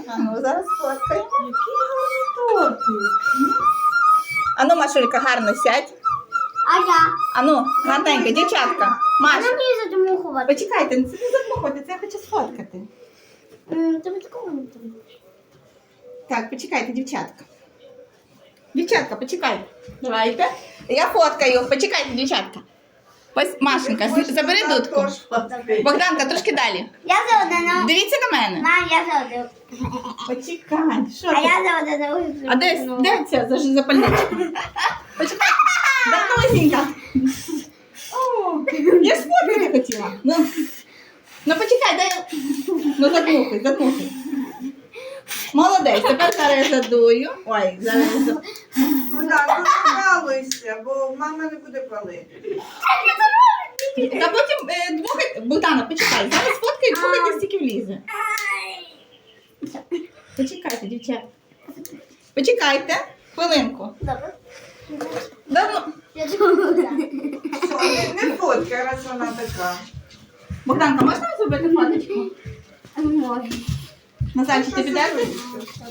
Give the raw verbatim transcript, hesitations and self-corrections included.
А ну, зараз сфоткаємо. Який гарний тортик. А ну, Машулька, гарно сядь. А я? А ну, гарненько, дівчатка. А Маш, нам не задумухувати. почекайте, це не задмухайте, це я хочу сфоткати. Тобі такого не треба. Так, почекайте, дівчатка. Дівчатка, почекайте. Давайте. Я фоткаю. Почекайте, дівчатка. Ось, Машенька, з- забери дудку. Богданка, трошки далі. Я за одне. Дивіться на мене. На, я за одне. Почекай, що А ти? я за одне. А де, де ця заж- запальничка? Почекай. Давносінька. О, я ж сфоткати хотіла. Ну, ну почекай, дай. Ну задмухай, задмухай. Молодець, тепер зараз я задую. Ой, зараз я задую. Ну так, ну не балуйся, бо мама не буде палити. Та потім е, дмухай. Богдана, почекай. Зараз фоткай, дмухайте, стільки влізе. Почекайте, дівчата. Почекайте. Хвилинку. Добре. Давно. Я думаю. Що, не, не фоткай, раз вона така. Богданка, можна зробити фоточку? Можна. Назарчик, ти підеш?